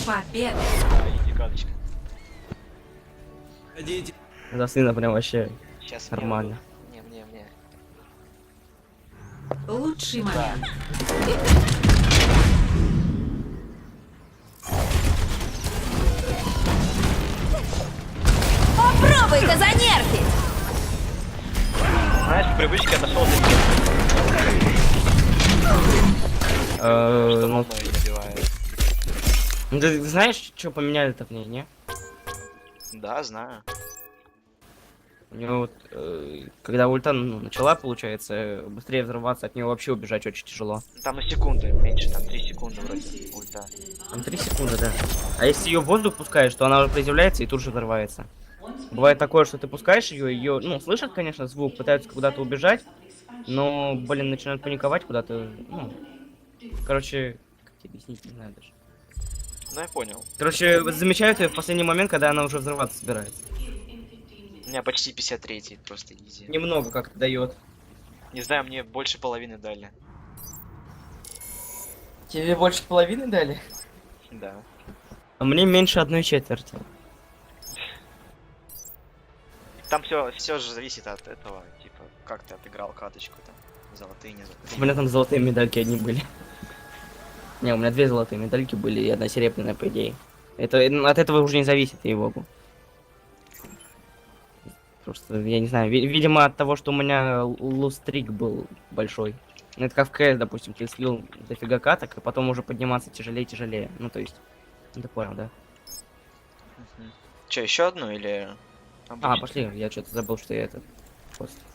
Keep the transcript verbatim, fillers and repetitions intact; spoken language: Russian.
Победа. Да, иди каточка. Ходите. За сына прям вообще Сейчас нормально. Мне, мне, мне. Лучший момент. Попробуй-ка занервить! Знаешь, в привычке отошел до Э, что ну, мной набивает. ну, ты знаешь, что поменяли-то в ней, не? Да, знаю. У нее вот, э, когда ульта ну, начала, получается, быстрее взрываться, от нее вообще убежать очень тяжело. Там на секунду меньше, там три секунды вроде ульта. Там три секунды, да. А если ее в воздух пускаешь, то она уже приземляется и тут же взрывается. Бывает такое, что ты пускаешь ее, ее, ну, слышат, конечно, звук, пытаются куда-то убежать, но, блин, начинают паниковать куда-то, ну, короче, как тебе объяснить, не знаю даже. Ну я понял. Короче, вот замечают ее в последний момент, когда она уже взрываться собирается. У меня почти пятьдесят три, просто изи. Немного как-то дает. Не знаю, мне больше половины дали. Тебе больше половины дали? Да. А мне меньше одной четверти. Там все, все же зависит от этого, типа, как ты отыграл каточку там. Золотые, не У золотые. меня там золотые медальки одни были. Не, у меня две золотые медальки были и одна серебряная, по идее. Это от этого уже не зависит, ей-богу. Просто, я не знаю, ви- видимо от того, что у меня лустрик был большой. Ну, это как в КС, допустим, ты слил дофига каток, и потом уже подниматься тяжелее и тяжелее. Ну, то есть, ну, ты понял, да? Че, еще одну или... А, пошли, я что-то забыл, что я это... Просто.